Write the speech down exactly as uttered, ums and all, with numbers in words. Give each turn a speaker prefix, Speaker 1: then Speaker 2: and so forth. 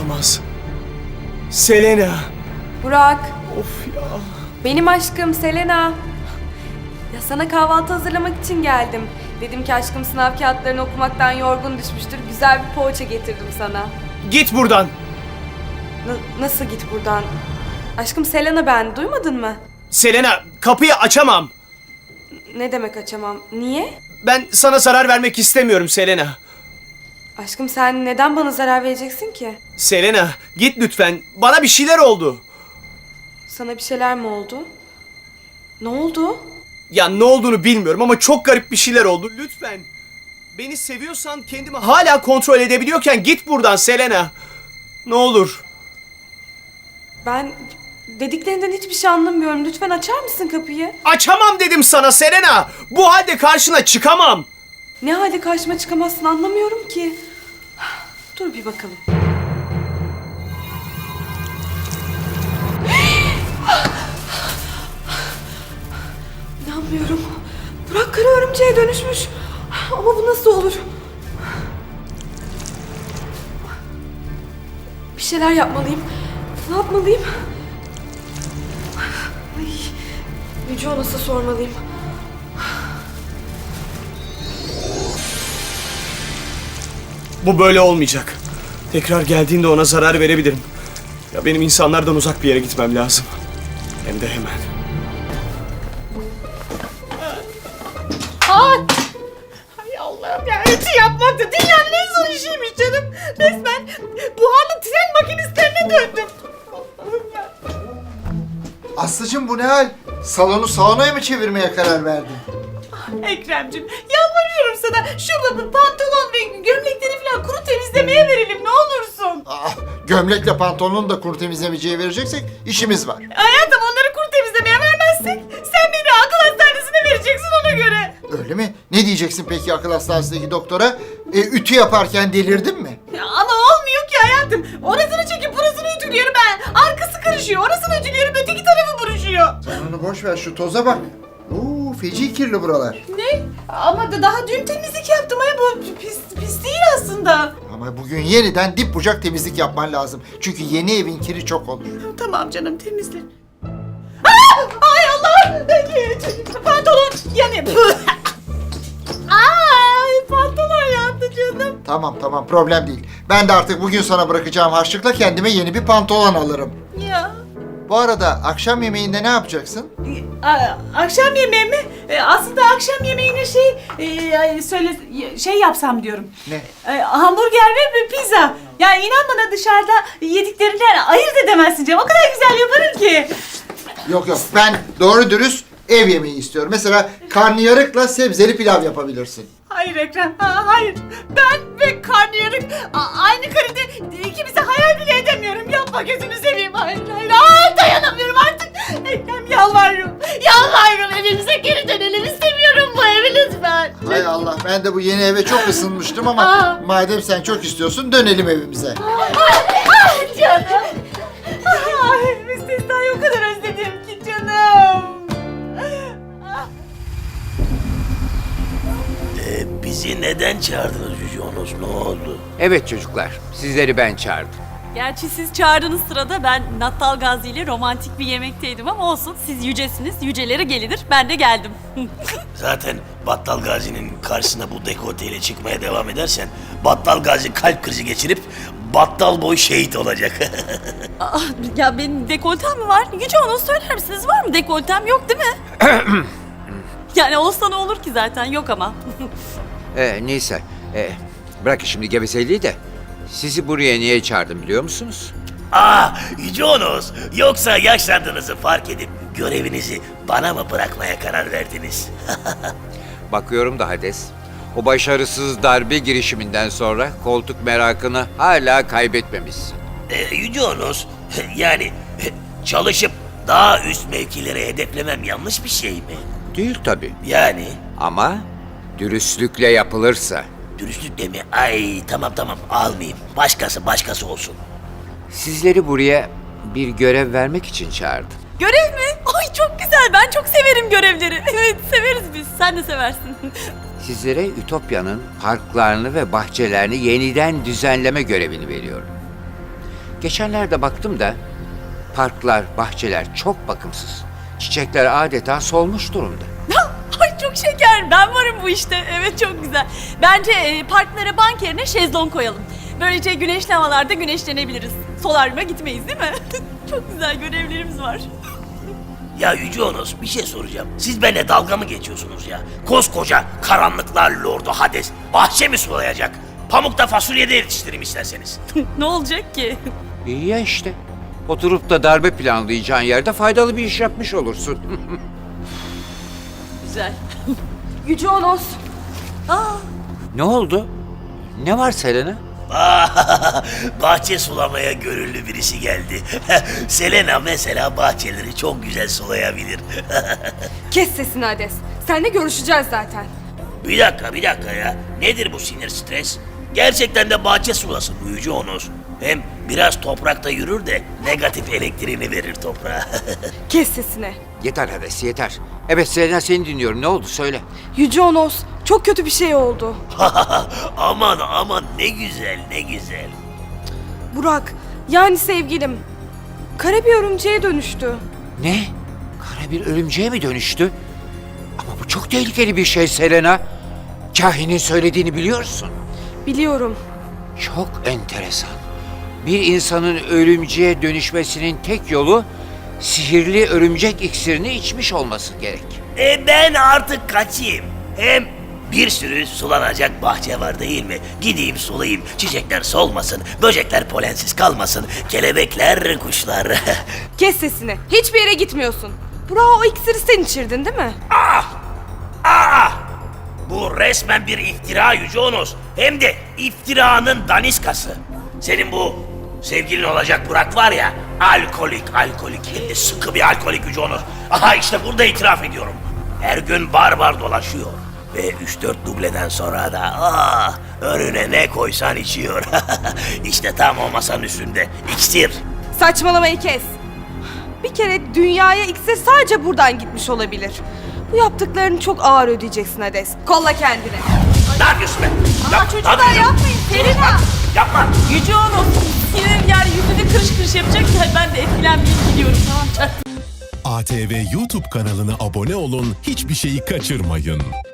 Speaker 1: Olamaz. Selena.
Speaker 2: Burak,
Speaker 1: Of ya.
Speaker 2: benim aşkım Selena. Ya sana kahvaltı hazırlamak için geldim. Dedim ki aşkım sınav kağıtlarını okumaktan yorgun düşmüştür. Güzel bir poğaça getirdim sana.
Speaker 1: Git buradan.
Speaker 2: N- nasıl git buradan? Aşkım Selena ben, duymadın mı?
Speaker 1: Selena, kapıyı açamam.
Speaker 2: Ne demek açamam? Niye?
Speaker 1: Ben sana zarar vermek istemiyorum Selena.
Speaker 2: Aşkım sen neden bana zarar vereceksin ki?
Speaker 1: Selena, git lütfen. Bana bir şeyler oldu.
Speaker 2: Sana bir şeyler mi oldu? Ne oldu?
Speaker 1: Ya ne olduğunu bilmiyorum ama çok garip bir şeyler oldu. Lütfen. Beni seviyorsan kendimi hala kontrol edebiliyorken git buradan Selena. Ne olur.
Speaker 2: Ben dediklerinden hiçbir şey anlamıyorum. Lütfen açar mısın kapıyı?
Speaker 1: Açamam dedim sana Selena. Bu halde karşına çıkamam.
Speaker 2: Ne halde karşıma çıkamazsın anlamıyorum ki. Dur bir bakalım. İnanmıyorum. Burak kara örümceğe dönüşmüş. Ama bu nasıl olur? Bir şeyler yapmalıyım. Ne yapmalıyım? Ay, Yüce Onas'a sormalıyım.
Speaker 1: Bu böyle olmayacak. Tekrar geldiğinde ona zarar verebilirim. Ya benim insanlardan uzak bir yere gitmem lazım. Hem de hemen.
Speaker 3: Ay! Hay Allah'ım ya, ütü yapmak da dünyanın en zor işiymiş canım. Resmen buharlı tren makinistlerine döndüm. Allah'ım ya.
Speaker 4: Aslıcığım bu ne hal? Salonu saunaya mı çevirmeye karar verdin?
Speaker 3: Ekrem'cim yalvarıyorum sana şu pantolon ve gömlekleri falan kuru temizlemeye verelim ne olursun.
Speaker 4: Ah, gömlekle pantolonun da kuru temizlemeciye vereceksek işimiz var.
Speaker 3: Hayatım onları kuru temizlemeye vermezsek sen beni akıl hastanesine vereceksin ona göre.
Speaker 4: Öyle mi? Ne diyeceksin peki akıl hastanesindeki doktora? E, ütü yaparken delirdin mi?
Speaker 3: Ya ama olmuyor ki hayatım. Orasını çekip burasını ütülüyorum ben. Arkası karışıyor. Orasını ütülüyorum öteki tarafı buruşuyor.
Speaker 4: Sen onu boş ver, şu toza bak. Oo, feci kirli buralar.
Speaker 3: Ne? Ama da daha dün temizlik yaptım. Ay bu pis, pis değil aslında.
Speaker 4: Ama bugün yeniden dip bucak temizlik yapman lazım. Çünkü yeni evin kiri çok olur.
Speaker 3: Tamam canım temizle. Aa! Ay Allah! Pantolon yanıyor. Ay pantolon yandı canım.
Speaker 4: Tamam tamam, problem değil. Ben de artık bugün sana bırakacağım harçlıkla kendime yeni bir pantolon alırım.
Speaker 3: Ya.
Speaker 4: Bu arada akşam yemeğinde ne yapacaksın?
Speaker 3: A- akşam yemeği mi? E, aslında akşam yemeğine şey e, söyle şey yapsam diyorum.
Speaker 4: Ne?
Speaker 3: E, hamburger ve bir pizza. Ya inan bana dışarıda yediklerinden ayırt edemezsin canım. O kadar güzel yaparım ki.
Speaker 4: Yok yok, ben doğru dürüst ev yemeği istiyorum. Mesela karnıyarıkla sebzeli pilav yapabilirsin.
Speaker 3: Hayır Ekrem, ha, hayır. Ben ve karnıyarık a- aynı karede ikimizi hayal bile edemiyorum. Yapma gözünü seveyim. Hayır, hayır. Ay, dayanamıyorum artık. Ekrem yalvarıyorum. Yalvarıyorum evimize geri dönelim. İstemiyorum bu evi lütfen.
Speaker 4: Hay Allah, ben de bu yeni eve çok ısınmıştım ama
Speaker 3: Aa.
Speaker 4: madem sen çok istiyorsun dönelim evimize.
Speaker 3: Ay canım. Ay, müstesnayı o kadar özledim ki canım.
Speaker 5: Ee, bizi neden çağırdınız Yüce Onos? Ne oldu?
Speaker 6: Evet çocuklar, sizleri ben çağırdım.
Speaker 7: Gerçi siz çağırdığınız sırada ben Nattal Gazi ile romantik bir yemekteydim ama olsun. Siz yücesiniz, yücelere gelinir. Ben de geldim.
Speaker 5: Zaten Battal Gazi'nin karşısına bu dekolteyle çıkmaya devam edersen Battal Gazi kalp krizi geçirip battal boy şehit olacak.
Speaker 7: Aa, ya benim dekoltem mi var? Yüce onu söyler misiniz? Var mı dekoltem? Yok değil mi? Yani olsa ne olur ki zaten? Yok ama.
Speaker 6: Ee, neyse, ee, bırakın şimdi gevezeliği de. Sizi buraya niye çağırdım biliyor musunuz?
Speaker 5: Aa, Yüce Onos, yoksa yaşlandığınızı fark edip görevinizi bana mı bırakmaya karar verdiniz?
Speaker 6: Bakıyorum da Hades, o başarısız darbe girişiminden sonra koltuk merakını hala kaybetmemişsin.
Speaker 5: Ee, Yüce Onos, yani çalışıp daha üst mevkilere hedeflemem yanlış bir şey mi?
Speaker 6: Değil tabii.
Speaker 5: Yani
Speaker 6: Ama dürüstlükle yapılırsa.
Speaker 5: dürüstlükle mi? Ay tamam tamam almayayım. Başkası başkası olsun.
Speaker 6: Sizleri buraya bir görev vermek için çağırdım.
Speaker 7: Görev mi? Ay çok güzel. Ben çok severim görevleri. Evet severiz biz. Sen de seversin.
Speaker 6: Sizlere Ütopya'nın parklarını ve bahçelerini yeniden düzenleme görevini veriyorum. Geçenlerde baktım da parklar, bahçeler çok bakımsız. Çiçekler adeta solmuş durumda.
Speaker 7: Ay çok şeker. Ben varım bu işte. Evet çok güzel. Bence e, parklara bank yerine şezlong koyalım. Böylece güneşli havalarda güneşlenebiliriz. Solaryuma gitmeyiz değil mi? Çok güzel görevlerimiz var.
Speaker 5: Ya Yüce Onos bir şey soracağım. Siz benimle dalga mı geçiyorsunuz ya? Koskoca karanlıklar lordu Hades bahçe mi sulayacak? Pamukta fasulye de yetiştireyim isterseniz.
Speaker 7: Ne olacak ki?
Speaker 6: İyi ya işte. Oturup da darbe planlayacağın yerde faydalı bir iş yapmış olursun.
Speaker 7: Güzel.
Speaker 2: Yüce Onos.
Speaker 7: Aa,
Speaker 6: Ne oldu? Ne var Selena?
Speaker 5: Bahçe sulamaya gönüllü birisi geldi. Selena mesela bahçeleri çok güzel sulayabilir.
Speaker 2: Kes sesini Hades. Seninle görüşeceğiz zaten.
Speaker 5: Bir dakika bir dakika ya. Nedir bu sinir stres? Gerçekten de bahçe sulasın bu Yüce Onos. Hem biraz toprakta yürür de negatif elektriğini verir toprağa.
Speaker 2: Kes sesini.
Speaker 6: Yeter Hades yeter. Evet Selena seni dinliyorum. Ne oldu söyle.
Speaker 2: Yüce Onos, çok kötü bir şey oldu.
Speaker 5: Aman aman ne güzel ne güzel.
Speaker 2: Burak, yani sevgilim, kara bir örümceğe dönüştü.
Speaker 6: Ne? Kara bir örümceğe mi dönüştü? Ama bu çok tehlikeli bir şey Selena. Kahinin söylediğini biliyorsun.
Speaker 2: Biliyorum.
Speaker 6: Çok enteresan. Bir insanın örümceğe dönüşmesinin tek yolu sihirli örümcek iksirini içmiş olması gerek.
Speaker 5: E ben artık kaçayım. Hem bir sürü sulanacak bahçe var değil mi? Gideyim sulayayım, çiçekler solmasın, böcekler polensiz kalmasın, kelebekler, kuşlar.
Speaker 2: Kes sesini. Hiçbir yere gitmiyorsun. Burak, o iksiri sen içirdin değil mi?
Speaker 5: Ah! Bu resmen bir iftira Yüce Onos. Hem de iftiranın daniskası. Senin bu sevgilin olacak Burak var ya, alkolik, alkolik, hem de sıkı bir alkolik Yüce Onos. Aha işte burada itiraf ediyorum. Her gün bar bar dolaşıyor. Ve üç dört dubleden sonra da ah, önüne ne koysan içiyor. İşte tam o masanın üstünde. İksir.
Speaker 2: Saçmalamayı kes. Bir kere dünyaya iksir sadece buradan gitmiş olabilir. Bu yaptıklarını çok ağır ödeyeceksin Hades. Kolla kendini.
Speaker 5: Ne yapıyorsun be?
Speaker 7: Aa,
Speaker 5: Yap-
Speaker 7: çocuklar
Speaker 5: ne yapıyorsun?
Speaker 7: yapmayın. Selena.
Speaker 5: Yapma.
Speaker 7: Yüce Onos. Senin yani yüzünü kırış kırış yapacak. Ben de etkilenmeyeyim gidiyorum. Tamam çaktım.
Speaker 8: A T V YouTube kanalına abone olun, hiçbir şeyi kaçırmayın.